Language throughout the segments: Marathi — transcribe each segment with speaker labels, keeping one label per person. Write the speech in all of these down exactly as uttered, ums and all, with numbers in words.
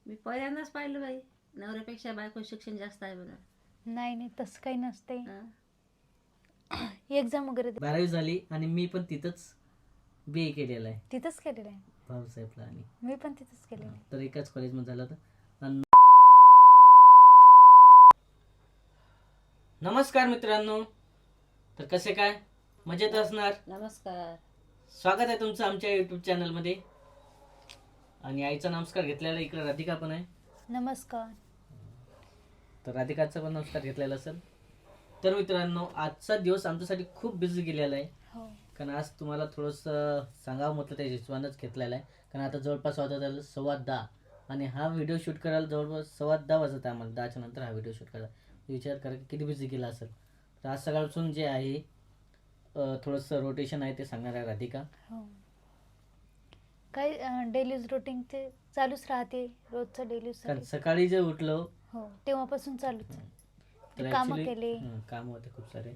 Speaker 1: मी पहिल्यांदाच पाहिलं बाई, नवऱ्यापेक्षा बायको शिक्षण जास्त आहे बघा.
Speaker 2: नाही नाही तसं काही नसते.
Speaker 1: हं.
Speaker 2: एक्झाम वगैरे दे-
Speaker 3: बारावी झाली आणि मी पण तिथंच बी ए केलेलं आहे
Speaker 2: तिथंच केलेलं आहे.
Speaker 3: भाऊसाहेबला. आणि
Speaker 2: मी पण तिथंच केलेलं आहे.
Speaker 3: तर एकाच कॉलेजमध्ये झालं होतं. आणि नमस्कार मित्रांनो, तर कसे काय, मजेत असणार.
Speaker 1: नमस्कार.
Speaker 3: स्वागत आहे तुमचं आमच्या यूट्यूब चॅनलमध्ये. आणि आईचा नमस्कार घेतलेला इकडे राधिका पण आहे,
Speaker 2: नमस्कार.
Speaker 3: तर राधिकाचा पण नमस्कार घेतलेला असेल. तर मित्रांनो, आजचा दिवस आमच्यासाठी खूप बिझी गेलेला आहे.
Speaker 2: हो
Speaker 3: कारण आज तुम्हाला थोडंसं सांगावं म्हटलं त्या हिशोबानंच घेतलेला आहे. कारण आता जवळपास वाजत आलं सव्वा दहा, आणि हा व्हिडिओ शूट करायला जवळपास सव्वा दहा वाजत आहे आम्हाला. दहाच्या नंतर हा व्हिडिओ शूट करायला. विचार करा की किती बिझी गेला असेल. तर आज सकाळपासून जे आहे अं, थोडंसं रोटेशन आहे ते सांगणार आहे राधिका.
Speaker 2: हो काय डेलीज रुटीन ते चालूच राहते रोजचं डेलीज.
Speaker 3: कारण सकाळी जे उठलो
Speaker 2: हो तेव्हापासून चालूच आहे.
Speaker 3: तर
Speaker 2: कामं
Speaker 3: actually-
Speaker 2: केले.
Speaker 3: हं, कामं होते खूप सारे.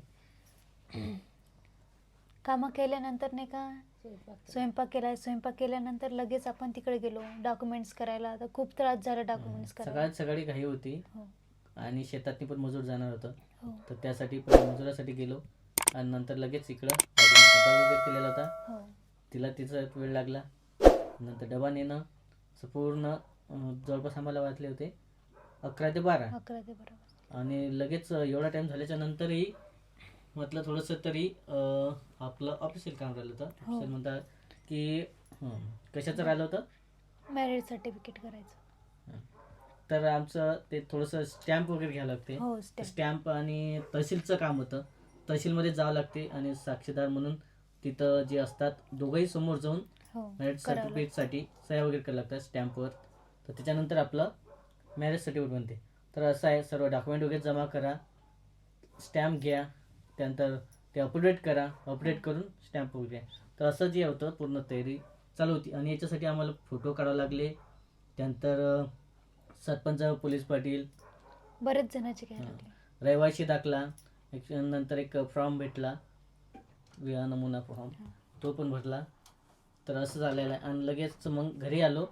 Speaker 2: कामं केल्यानंतर नाही का
Speaker 1: स्वयंपाक केला.
Speaker 2: स्वयंपाक केला. स्वयंपाक केल्यानंतर लगेच आपण तिकडे गेलो डॉक्युमेंट्स करायला. तर खूप त्रास झाला डॉक्युमेंट्स करायला.
Speaker 3: सकाळी सकाळी घाई होती
Speaker 2: हो
Speaker 3: आणि शेतातनी पण मजूर जाणार होतं.
Speaker 2: हो
Speaker 3: तर त्यासाठी पण मजुरासाठी गेलो आणि नंतर लगेच इकडं राधिकाने स्वयंपाक वगैरे केलेला होता.
Speaker 2: हो
Speaker 3: तिला तिचा वेळ लागला. नंतर डबा नेणं असं पूर्ण अं, जवळपास आम्हाला वाटले होते अकरा ते बारा.
Speaker 2: अकरा ते बरोबर.
Speaker 3: आणि लगेच एवढा टाइम झाल्याच्या नंतरही म्हटलं थोडंसं तरी अं, आपलं ऑफिशियल काम राहिलं होतं.
Speaker 2: हो.
Speaker 3: ऑफिशियल म्हणतात की हं, कशाचं राहिलं होतं.
Speaker 2: मॅरेज सर्टिफिकेट करायचं.
Speaker 3: तर आमचं ते थोडंसं स्टॅम्प वगैरे घ्यावं लागते.
Speaker 2: हो स्टॅम्प.
Speaker 3: स्टॅम्प आणि तहसीलचं काम होतं. तहसीलमध्ये जावं लागते आणि साक्षीदार म्हणून तिथं जे असतात दोघंही समोर जाऊन
Speaker 2: हो
Speaker 3: मॅरेज
Speaker 2: करावं
Speaker 3: सर्टिफिकेटसाठी सह्या वगैरे करावं लागतात स्टॅम्पवर. तर त्याच्यानंतर आपलं मॅरेज सर्टिफिकेट बनते. तर असं आहे, सर्व डॉक्युमेंट वगैरे जमा करा, स्टॅम्प घ्या, त्यानंतर ते अपडेट करा, अपडेट करून स्टॅम्प वगैरे घ्या. तर असं जे होतं पूर्ण तयारी चालू होती. आणि याच्यासाठी आम्हाला फोटो काढावे लागले. त्यानंतर अं, सरपंच, पोलीस पाटील,
Speaker 2: बरेच जणांचे घ्यायला
Speaker 3: हां.
Speaker 2: लागले.
Speaker 3: रहिवाशी दाखला, एक नंतर एक फॉर्म भेटला, विवाह नमुना फॉर्म,
Speaker 2: हां.
Speaker 3: तो पण भरला. तर असं झालेलं आहे. आणि लगेच मग घरी आलो.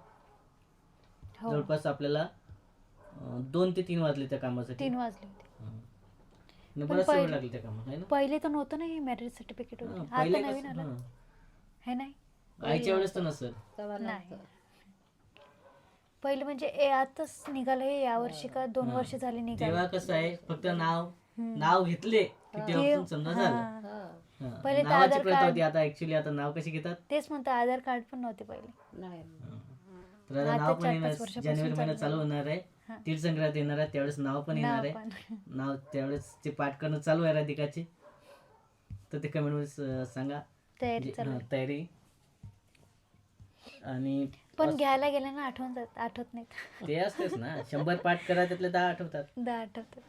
Speaker 2: हो
Speaker 3: जवळपास आपल्याला अं, दोन ते तीन वाजले त्या कामासाठी.
Speaker 2: तीन वाजले होते.
Speaker 3: हां. आणि
Speaker 2: पण
Speaker 3: बराच वेळ
Speaker 2: पहिले-
Speaker 3: लागला त्या कामात, आहे ना.
Speaker 2: पहिले तर नव्हतं ना हे मॅरेज सर्टिफिकेट
Speaker 3: हां,
Speaker 2: वगैरे.
Speaker 3: पहिले
Speaker 2: आता नवीन
Speaker 3: कसं-
Speaker 2: आलं
Speaker 3: हां.
Speaker 2: हे नाही.
Speaker 3: आईच्या वेळेस तर नसेल.
Speaker 1: तेव्हा
Speaker 2: नाही.
Speaker 1: नव्हतं.
Speaker 2: पहिले म्हणजे ए आताच निघालं हे यावर्षी का दोन
Speaker 3: हां.
Speaker 2: वर्ष झाली
Speaker 3: तेव्हा
Speaker 2: निघालं.
Speaker 3: कसं आहे, फक्त नाव
Speaker 2: हम्म.
Speaker 3: नाव घेतले की
Speaker 1: हां.
Speaker 3: तेव्हापासून समजा झालं.
Speaker 2: हां.
Speaker 1: हं.
Speaker 3: हां.
Speaker 2: पहिले तर
Speaker 3: नावाची
Speaker 2: आधार
Speaker 3: प्रथा
Speaker 2: कार्ड-
Speaker 3: होती. आता ऍक्च्युली आता नाव कशी घेतात.
Speaker 2: तेच म्हणतं आधार कार्ड पण नव्हते पहिले.
Speaker 1: नाही.
Speaker 3: तर आता
Speaker 2: आता
Speaker 3: नाव पण
Speaker 2: चार-पाच
Speaker 3: येणार,
Speaker 2: वर्षापासून
Speaker 3: जानेवारी महिन्यात
Speaker 2: चालू
Speaker 3: चालू होणार आहे.
Speaker 2: हां.
Speaker 3: तीळ संक्रांत येणार आहे, त्यावेळेस नाव पण येणार
Speaker 2: नाव
Speaker 3: आहे.
Speaker 2: पण.
Speaker 3: नाव त्यावेळेस ते पाठ करणं चालू आहे राधिकाचे. तर ते कमेंट मध्ये सांगा.
Speaker 2: तयारी
Speaker 3: जे-
Speaker 2: चालू
Speaker 3: हां,
Speaker 2: आहे.
Speaker 3: तयारी. आणि
Speaker 2: पण
Speaker 3: अस-
Speaker 2: घ्यायला गेलं ना आठवण जात आठवत नाहीत.
Speaker 3: ते असतेच ना, शंभर पाठ करा त्यातले दहा आठवतात.
Speaker 2: दहा आठवतात.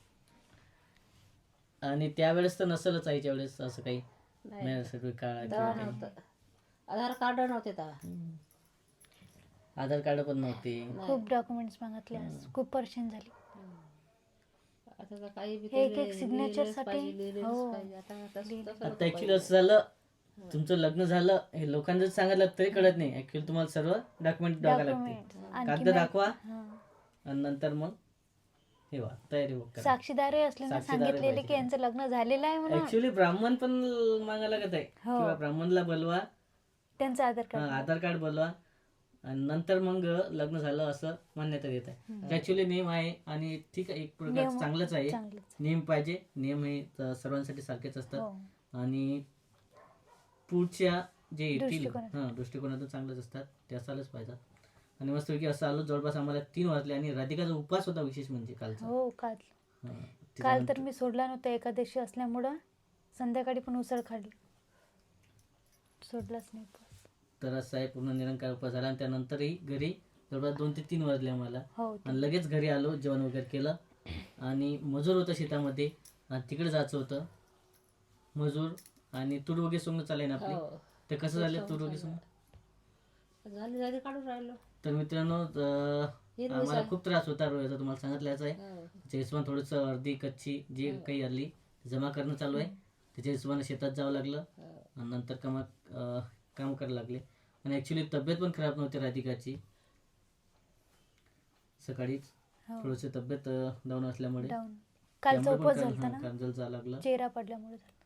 Speaker 3: आणि त्यावेळेस तर नसेलच आईच्या वेळेस असं काही
Speaker 1: नाही.
Speaker 3: मॅरेज सर्टिफिकेट काढा
Speaker 1: तेव्हा
Speaker 3: किंवा काही.
Speaker 1: नव्हतं. आधार कार्ड नव्हते तेव्हा.
Speaker 3: हम्म. आधार कार्ड पण नव्हते.
Speaker 2: खूप डॉक्युमेंट्स मागितले आज. खूप परेशान झाली.
Speaker 1: आता तर काही बी
Speaker 2: हे एक-
Speaker 1: ते
Speaker 2: एक signature
Speaker 1: लिहिलेलंच
Speaker 2: साठी-
Speaker 1: पाहिजे, लिहिलेलंच
Speaker 2: हो.
Speaker 1: पाहिजे. आता तसं-
Speaker 2: लिहिलं.
Speaker 1: तसं
Speaker 3: आता
Speaker 1: नको
Speaker 3: ऍक्च्युली
Speaker 1: पाहिजे.
Speaker 3: असं झालं, तुमचं लग्न झालं हे लोकांना जर सांगितलं तरी कळत नाही. ऍक्च्युली तुम्हाला सर्व डॉक्युमेंट दाखवा लागते.
Speaker 2: डॉक्युमेंट्स आणखी
Speaker 3: कागद
Speaker 2: मा-
Speaker 3: दाखवा
Speaker 2: हां.
Speaker 3: आणि नंतर मग हे वा तयारी वगैरे करा.
Speaker 2: साक्षीदारही असले ना
Speaker 3: साक्षीदारही
Speaker 2: सांगितलेले
Speaker 3: पाहिजे.
Speaker 2: की यांचं लग्न झालेलं आहे म्हणून
Speaker 3: ऍक्च्युली ब्राह्मण पण मागायला लागत आहे.
Speaker 2: हो.
Speaker 3: किंवा ब्राह्मणला बोलवा,
Speaker 2: त्यांचं आधार
Speaker 3: हां,
Speaker 2: कार्ड.
Speaker 3: आधार कार्ड बोलवा आणि नंतर मग लग्न झालं असं मान्यता देत आहे. ऍक्च्युली नियम आहे आणि ठीक आहे, एक प्रकार
Speaker 2: नियम-
Speaker 3: चांगलंच आहे.
Speaker 2: चांगलंच.
Speaker 3: नियम पाहिजे. नियम हे तर सर्वांसाठी सारखेच असतात.
Speaker 2: हो.
Speaker 3: आणि पुढच्या जे येतील
Speaker 2: दृष्टिकोनातून.
Speaker 3: हां दृष्टिकोनातून चांगलंच असतात, ते असायलाच पाहिजे. आणि मस्तपैकी असं आलो. जवळपास आम्हाला तीन वाजले आणि राधिकाचा उपवास होता विशेष म्हणजे कालचा.
Speaker 2: हो काल
Speaker 3: हां,
Speaker 2: काल तर
Speaker 3: त्याच्यानंतर-
Speaker 2: मी सोडला नव्हता एकादशी असल्यामुळं. संध्याकाळी पण उसळ खाल्ली. सोडलाच नाही उपवास.
Speaker 3: तर असं आहे, पूर्ण निरंकार उपवास झाला. आणि त्यानंतरही घरी जवळपास दोन ते तीन वाजले आम्हाला.
Speaker 2: हो ते-
Speaker 3: आणि लगेच घरी आलो, जेवण वगैरे केलं. आणि मजूर होतं शेतामध्ये आणि तिकडे जायचं होतं. मजूर आणि तूर वगैरे सोंग चालले ना आपले.
Speaker 1: हो.
Speaker 3: ते कसं झाले तूर वगैरे सोंग.
Speaker 1: झाली झाली काढून राहिलो.
Speaker 3: तर मित्रांनो, अं,
Speaker 1: हिरवी
Speaker 3: आम्हाला
Speaker 1: साय.
Speaker 3: खूप त्रास होता रोयाचा, तुम्हाला सांगितल्याच आहे.
Speaker 1: हो.
Speaker 3: त्याच्या हिशोबाने थोडंसं अर्धी कच्ची जी काही आली जमा करणं चालू आहे. त्याच्या हिशोबाने शेतात जावं लागलं
Speaker 1: हो.
Speaker 3: आणि नंतर कामा अं, काम करायला लागले. आणि ॲक्च्युली तब्येत पण खराब नव्हती राधिकाची. सकाळीच
Speaker 2: हो
Speaker 3: थोडीशी तब्येत डाऊन असल्यामुळे
Speaker 2: डाऊन कालचा
Speaker 3: त्यामुळे पण
Speaker 2: उपवास
Speaker 3: काल-
Speaker 2: झालता
Speaker 3: हा,
Speaker 2: ना,
Speaker 3: कांजल जावं लागलं.
Speaker 2: चेहरा पडल्यामुळे झालं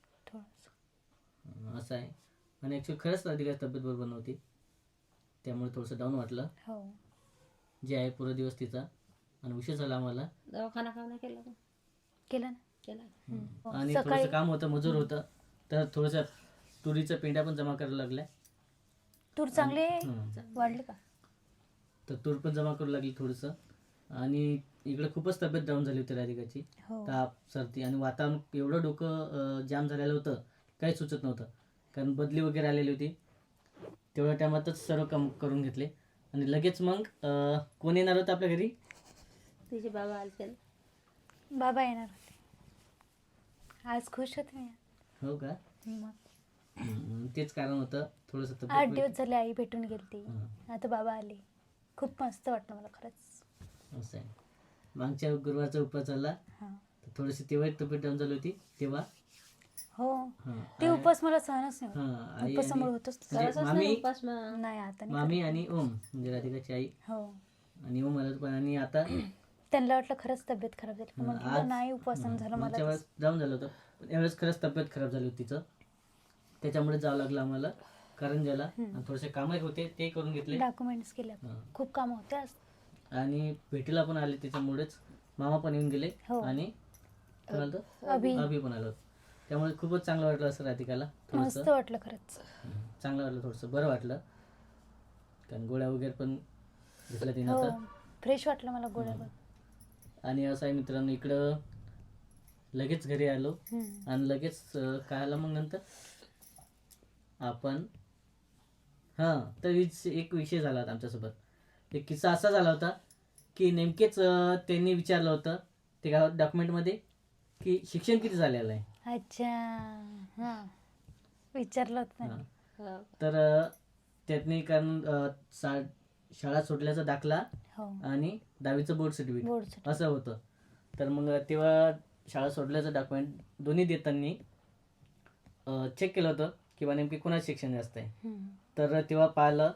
Speaker 2: थोडंसं.
Speaker 3: अं, असं आहे. आणि ॲक्च्युली खरंच राधिकाची तब्येत बरोबर नव्हती, त्यामुळे थोडंसं डाऊन वाटलं.
Speaker 2: हो
Speaker 3: जे आहे पूर्ण दिवस तिचा, आणि उशीर झाला आम्हाला.
Speaker 1: दवाखाना का नाही केला का?
Speaker 2: केलं ना.
Speaker 1: केला.
Speaker 2: हो,
Speaker 3: आणि
Speaker 2: सकाळी
Speaker 3: थोडंसं काम होतं, मजूर होतं, तर थोडंसं तुरीच्या पेंड्या पण जमा करायला लागल्या.
Speaker 2: तूर चांगले
Speaker 3: हं.
Speaker 2: वाढले का?
Speaker 3: तर तूर पण जमा करू लागली थोडंसं. आणि इकडे खूपच तब्येत डाऊन झाली होती राधिकाची.
Speaker 2: हो
Speaker 3: ताप, सर्दी, आणि वातावरण एवढं डोकं अं, जाम झालेलं होतं, काही सुचत नव्हतं. कारण बदली वगैरे आलेली होती. तेवढ्या टायमातच सर्व काम करून घेतले. आणि लगेच मग अं, कोण येणार होतं आपल्या घरी?
Speaker 1: तिचे बाबा आलते ना.
Speaker 2: बाबा येणार होते. आज खुश होते मी.
Speaker 3: हो का?
Speaker 2: मग
Speaker 3: हं, तेच कारण होतं थोडंसं
Speaker 2: आठ
Speaker 3: तब्येत.
Speaker 2: दिवस झाले आई भेटून गेलती,
Speaker 3: हं,
Speaker 2: आता बाबा आले. खूप मस्त वाटलं मला खरंच.
Speaker 3: असं आहे. मागच्या गुरुवारचा उपवास झाला,
Speaker 2: हां
Speaker 3: तर थोडीशी तेव्हा तब्येत डाऊन झाली होती तेव्हा.
Speaker 2: हो
Speaker 3: हां,
Speaker 2: ते
Speaker 3: आई-
Speaker 2: उपवास मला सहनच नाही होत.
Speaker 3: हां, आई
Speaker 2: उपवासामुळे
Speaker 3: आणि
Speaker 2: होतच
Speaker 3: म्हणजे
Speaker 1: करतच
Speaker 3: मामी
Speaker 1: नाही उपास मग.
Speaker 2: नाही आता नाही
Speaker 3: मामी
Speaker 2: करत.
Speaker 3: आणि ओम, म्हणजे राधिकाची आई
Speaker 2: हो
Speaker 3: आणि ओम आलं पण. आणि आता
Speaker 2: त्यांना वाटलं खरंच तब्येत खराब झाली, पण
Speaker 3: हं,
Speaker 2: म्हटलं
Speaker 3: आज
Speaker 2: नाही उपवासन
Speaker 3: हं,
Speaker 2: झालं मला
Speaker 3: मागच्या
Speaker 2: तसं.
Speaker 3: वेळेस जाऊन झालं होतं, पण यावेळेस खरंच तब्येत खराब झाली होती तिचं. त्याच्यामुळे जावं लागलं आम्हाला करंजाला.
Speaker 2: हं.
Speaker 3: आणि थोडेसे कामही होते ते करून घेतले.
Speaker 2: डॉक्युमेंट्स केले आपण.
Speaker 3: हां.
Speaker 2: खूप काम होते आज.
Speaker 3: आणि भेटीला पण आले, त्याच्यामुळेच मामा पण येऊन गेले.
Speaker 2: हो.
Speaker 3: आणि काय म्हणतो,
Speaker 2: अभि
Speaker 3: अभि पण आलो. त्यामुळे खूपच चांगलं वाटलं असं राधिकाला.
Speaker 2: मस्त
Speaker 3: थोडंसं
Speaker 2: वाटलं खरंच.
Speaker 3: हं, चांगलं वाटलं, थोडंसं बरं वाटलं. कारण गोळ्या वगैरे पण घेतल्या तिनं
Speaker 2: हो
Speaker 3: आता.
Speaker 2: फ्रेश वाटलं मला गोळ्या
Speaker 3: हं.
Speaker 2: पण.
Speaker 3: आणि असं आहे मित्रांनो, इकडं लगेच घरी आलो.
Speaker 2: हं.
Speaker 3: आणि लगेच अं, काय आलं मग नंतर आपण, हां, तर विच- एक विषय झाला होता आमच्यासोबत. एक किस्सा असा झाला होता की नेमकेच अं, त्यांनी विचारलं होतं ते काय डॉक्युमेंटमध्ये की शिक्षण किती झालेलं आहे.
Speaker 2: अच्छा हां विचारलं होतं
Speaker 3: हां.
Speaker 2: त्यांनी.
Speaker 1: हो.
Speaker 3: तर अं, त्यांनी कारण अं, सा शाळा सोडल्याचा दाखला
Speaker 2: हो
Speaker 3: आणि दहावीचं बोर्ड सर्टिफिकेट
Speaker 2: बोर्ड
Speaker 3: असं होतं. तर मग तेव्हा शाळा सोडल्याचं डॉक्युमेंट दोन्ही देताना चेक केलं होतं किंवा नेमकी कोणाचं शिक्षण जास्त आहे. तर तेव्हा पाहिलं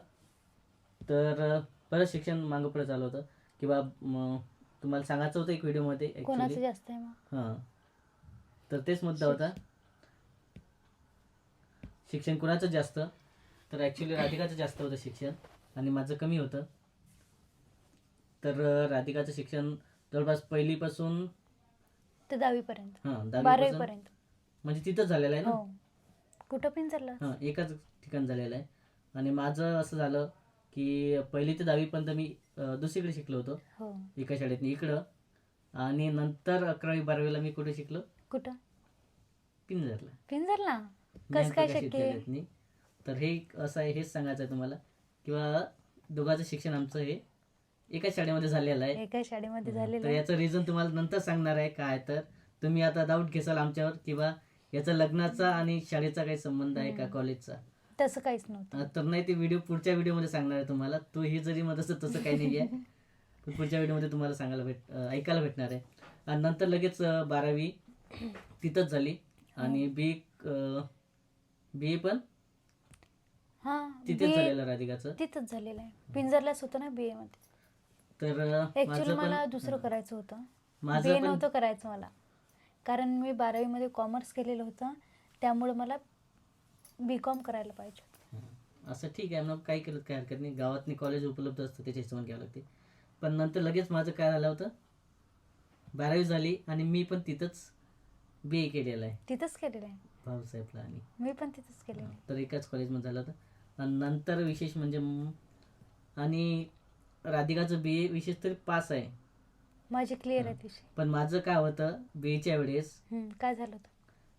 Speaker 3: तर बरं शिक्षण मागं पुढे चालू होतं किंवा म, तुम्हाला सांगायचं होतं एक व्हिडिओमध्ये
Speaker 2: कोणाचं
Speaker 3: ॲक्च्युली.
Speaker 2: जास्त आहे मग?
Speaker 3: हां, तर तेच मुद्दा होता, शिक्षण कुणाचं जास्त. तर ॲक्च्युली राधिकाचं जास्त होतं शिक्षण आणि माझं कमी होतं. तर अं, राधिकाचं शिक्षण जवळपास पहिलीपासून
Speaker 2: ते दहावीपर्यंत
Speaker 3: हां दहावीपासून
Speaker 2: बारावीपर्यंत.
Speaker 3: म्हणजे तिथंच झालेलं आहे ना.
Speaker 2: हो कुठं पण चाललं.
Speaker 3: हां, एकाच ठिकाण झालेलं आहे. आणि माझं असं झालं की पहिली ते दहावीपर्यंत मी अं, दुसरीकडे शिकलो होतो,
Speaker 2: हो
Speaker 3: एका शाळेत इकडं. आणि नंतर अकरावी बारावीला मी कुठे शिकलो,
Speaker 2: कुठं?
Speaker 3: पिंजरला,
Speaker 2: पिंजरला. कसं
Speaker 3: ज्ञानप्रकाश
Speaker 2: काय शक्य आहे?
Speaker 3: विद्यालयातनी. तर हे असं आहे, हेच सांगायचं आहे तुम्हाला किंवा दोघांचं शिक्षण आमचं हे एकाच शाळेमध्ये झालेलं आहे.
Speaker 2: एका शाळेमध्ये
Speaker 3: हां,
Speaker 2: झालेलं
Speaker 3: तर
Speaker 2: आहे.
Speaker 3: याचं रिझन तुम्हाला नंतर सांगणार आहे काय. तर तुम्ही आता डाऊट घेसाल आमच्यावर किंवा याचा लग्नाचा आणि शाळेचा काही संबंध आहे का,
Speaker 2: हम्म.
Speaker 3: कॉलेजचा.
Speaker 2: तसं काहीच नव्हतं.
Speaker 3: अं, तर नाही, ते व्हिडिओ पुढच्या व्हिडिओमध्ये सांगणार आहे तुम्हाला. तो हे जरी म्हणत असतं तसं काही नाही आहे, पण पुढच्या व्हिडिओमध्ये तुम्हाला सांगायला भेट अं, ऐकायला भेटणार आहे. आणि नंतर लगेच अं, बारावी तिथंच झाली आणि बी बी ए पण
Speaker 2: हां
Speaker 3: तिथेच
Speaker 2: बी ए
Speaker 3: झालेलं राधिकाचं.
Speaker 2: तिथंच झालेलं आहे. पिंजरलाच होतं ना बी ए मध्ये.
Speaker 3: तर अं,
Speaker 2: ऍक्च्युली
Speaker 3: माझं
Speaker 2: मला
Speaker 3: पण
Speaker 2: दुसरं करायचं होतं. बी
Speaker 3: माझं
Speaker 2: ए
Speaker 3: पण
Speaker 2: नव्हतं करायचं मला, कारण मी बारावीमध्ये कॉमर्स केलेलं होतं, त्यामुळे मला बी कॉम करायला पाहिजे.
Speaker 3: हं, असं ठीक आहे, मग काही केलं काही हरकत नाही. गावातनी कॉलेज उपलब्ध असतं, त्याच्या हिशोबाने घ्यावं लागते. पण नंतर लगेच माझं काय झालं होतं, बारावी झाली आणि मी पण तिथंच बी ए केलेलं आहे
Speaker 2: तिथंच केलेलं आहे.
Speaker 3: भाऊसाहेबला. आणि
Speaker 2: मी पण तिथंच केलेलं आहे.
Speaker 3: तर एकाच कॉलेजमध्ये झालं होतं. आणि नंतर विशेष म्हणजे म- आणि राधिकाचं बी ए विशेष तरी पास आहे.
Speaker 2: माझी क्लिअर आहे विषय.
Speaker 3: पण माझं काय होतं, बी एच्या वेळेस
Speaker 2: हम्म, काय झालं होतं?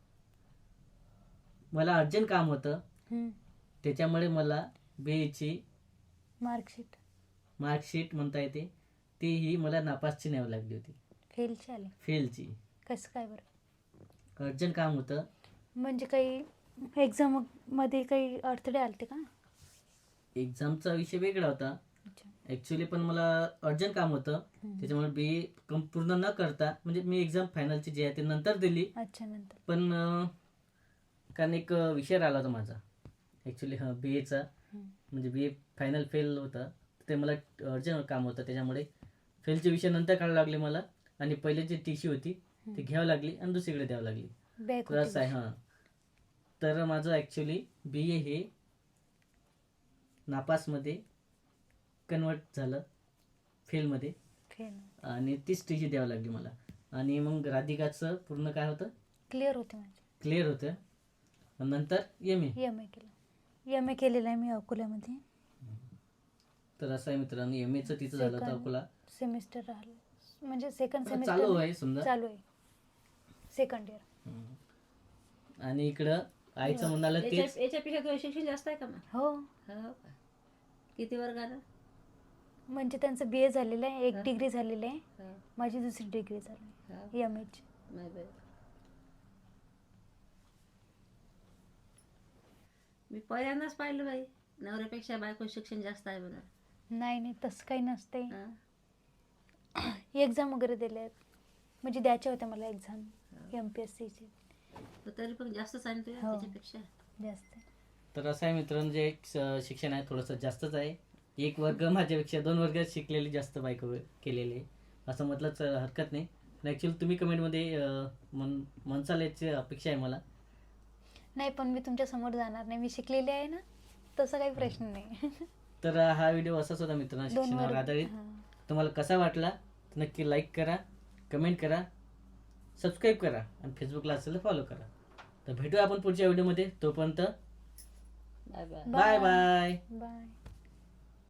Speaker 3: मला अर्जंट काम होतं,
Speaker 2: हम्म,
Speaker 3: त्याच्यामुळे मला बी एची
Speaker 2: मार्कशीट
Speaker 3: मार्कशीट म्हणता येते ती ही मला नापासची न्यावी लागली होती,
Speaker 2: फेलची आली.
Speaker 3: फेलची.
Speaker 2: कसं काय बरं?
Speaker 3: अर्जंट काम होतं.
Speaker 2: म्हणजे काही एक्झाम मध्ये काही अडथळे आलते का?
Speaker 3: एक्झामचा विषय वेगळा होता
Speaker 2: अच्छा.
Speaker 3: ॲक्च्युली, पण मला अर्जंट काम होतं.
Speaker 2: हम्म.
Speaker 3: त्याच्यामुळे बी ए कम पूर्ण न करता, म्हणजे मी एक्झाम फायनलची जी आहे ते नंतर दिली.
Speaker 2: अच्छा नंतर.
Speaker 3: पण अं, कारण एक अं, विषय राहिला होता माझा ॲक्च्युली, हां, बी एचा.
Speaker 2: हम्म.
Speaker 3: म्हणजे बी ए फायनल फेल होतं, ते मला अर्जंट काम होतं, त्याच्यामुळे फेलचे विषय नंतर काढायला लागले मला, आणि पहिले जी टी सी होती ती
Speaker 2: हम्म.
Speaker 3: घ्यावी लागली आणि दुसरीकडे द्यावी लागली.
Speaker 2: बॅक
Speaker 3: तर असं आहे. हां, तर माझं ॲक्च्युली बी ए हे नापासमध्ये कन्वर्ट झालं, फेलमध्ये, आणि तीच टी सी द्यावी लागली मला. आणि मग राधिकाचं पूर्ण काय होतं,
Speaker 2: क्लिअर होते माझे.
Speaker 3: क्लिअर होतं. आणि नंतर एम ए.
Speaker 2: एम ए केलं एम ए केलेलं आहे मी अकोल्यामध्ये.
Speaker 3: तर असं आहे मित्रांनो, एम एचं तिचं झालं होतं
Speaker 2: Second.
Speaker 3: अकोला.
Speaker 2: सेमिस्टर राहिलं, म्हणजे सेकंड
Speaker 3: चालू
Speaker 2: सेमिस्टर
Speaker 3: आहे समजा.
Speaker 2: चालू आहे, सेकंड इयर.
Speaker 3: हम्म. आणि इकडं आईचं म्हणालं तेच.
Speaker 1: याच्या- याच्यापेक्षा तुझं शिक्षण जास्त आहे का मग?
Speaker 2: हो,
Speaker 1: हो का? किती वर्गाला?
Speaker 2: म्हणजे त्यांचं बी ए झालेलं आहे, एक
Speaker 1: हा.
Speaker 2: डिग्री झालेली आहे,
Speaker 1: हो,
Speaker 2: माझी दुसरी डिग्री झाली
Speaker 1: हो.
Speaker 2: एम एची.
Speaker 1: नाही बाई. मी पहिल्यांदाच पाहिलं बाई, नवऱ्यापेक्षा बायको शिक्षण जास्त आहे म्हणून.
Speaker 2: नाही नाही, तसं काही नसते.
Speaker 1: हा.
Speaker 2: एक्झाम वगैरे दिल्या आहेत, म्हणजे द्यायच्या होत्या मला एक्झाम एम पी एस सीची.
Speaker 1: तर तरी पण जास्तच आहे ना तुझ्या
Speaker 2: हो.
Speaker 1: त्याच्यापेक्षा.
Speaker 2: जास्त आहे.
Speaker 3: तर असं आहे मित्रांनो, जे एक स- शिक्षण आहे थोडंसं जास्तच आहे. एक वर्ग माझ्यापेक्षा दोन वर्ग शिकलेली जास्त बायको केलेली आहे असं म्हटलंच हरकत नाही. ॲक्च्युली तुम्ही कमेंटमध्ये अं, मन म्हणसाल याची अपेक्षा आहे मला.
Speaker 2: नाही, पण मी तुमच्या समोर जाणार नाही, मी शिकलेली आहे ना, तसं काही प्रश्न नाही.
Speaker 3: तर हा व्हिडिओ असाच होता मित्रांनो,
Speaker 2: दोन
Speaker 3: शिक्षणावर
Speaker 2: वर्ग
Speaker 3: आधारित.
Speaker 2: हां.
Speaker 3: तुम्हाला कसा वाटला तर नक्की लाईक करा, कमेंट करा, सबस्क्राईब करा, आणि फेसबुकला असेल तर फॉलो करा. तर भेटूया आपण पुढच्या व्हिडिओमध्ये. तोपर्यंत
Speaker 1: bye bye.
Speaker 3: Bye bye.
Speaker 2: Bye.